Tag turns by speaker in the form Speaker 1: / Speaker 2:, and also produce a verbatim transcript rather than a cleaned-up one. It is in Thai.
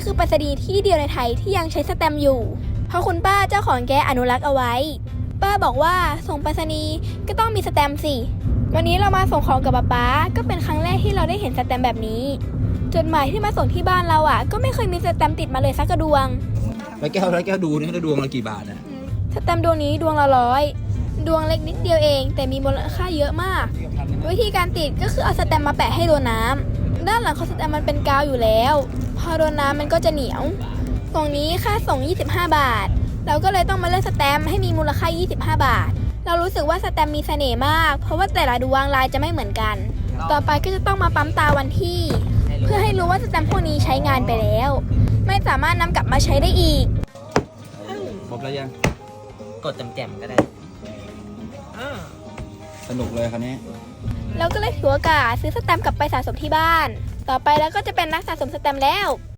Speaker 1: คือไปรษณีย์ที่เดียวในไทยที่ยังใช้สแตมป์อยู่เพราะคุณป้าเจ้าของแกอนุรักษ์เอาไว้ป้าบอกว่าส่งไปรษณีย์ก็ต้องมีสแตมป์สิวันนี้เรามาส่งของกับป๊าป๊าก็เป็นครั้งแรกที่เราได้เห็นสแตมป์แบบนี้จดหมายที่มาส่งที่บ้านเราอ่ะก็ไม่เคยมีสแตมป์ติดมาเลยสักกระดวง
Speaker 2: แล้วแก้วแล้วแก้วดูนี่แล้วดวงละกี่บาทนะ
Speaker 1: สแตมป์ดวงนี้ดวงละร้อยดวงเล็กนิดเดียวเองแต่มีมูลค่าเยอะมากวิธีการติดก็คือเอาสแตมป์มาแปะให้โดนน้ำด้านหลังของสแตมป์มันเป็นกาวอยู่แล้วพอโดนน้ำมันก็จะเหนียวตรงนี้ค่าส่งยี่สิบห้าบาทเราก็เลยต้องมาเลือกสแตมป์ให้มีมูลค่ายี่สิบห้าบาทเรารู้สึกว่าสแตมป์มีเสน่ห์มากเพราะว่าแต่ละดวงลายจะไม่เหมือนกันต่อไปก็จะต้องมาปั๊มตาวันที่เพื่อให้รู้ว่าสแตมป์พวกนี้ใช้งานไปแล้วไม่สามารถนำกลับมาใช้ได้อีก
Speaker 2: ครบแล้วยัง
Speaker 3: กดแจ่มๆก็ได้
Speaker 2: สนุกเลยคันนี้
Speaker 1: เราก็เลยถือโอกาสซื้อสแตมป์กลับไปสะสมที่บ้านต่อไปแล้วก็จะเป็นนักสะสมสแตมป์แล้ว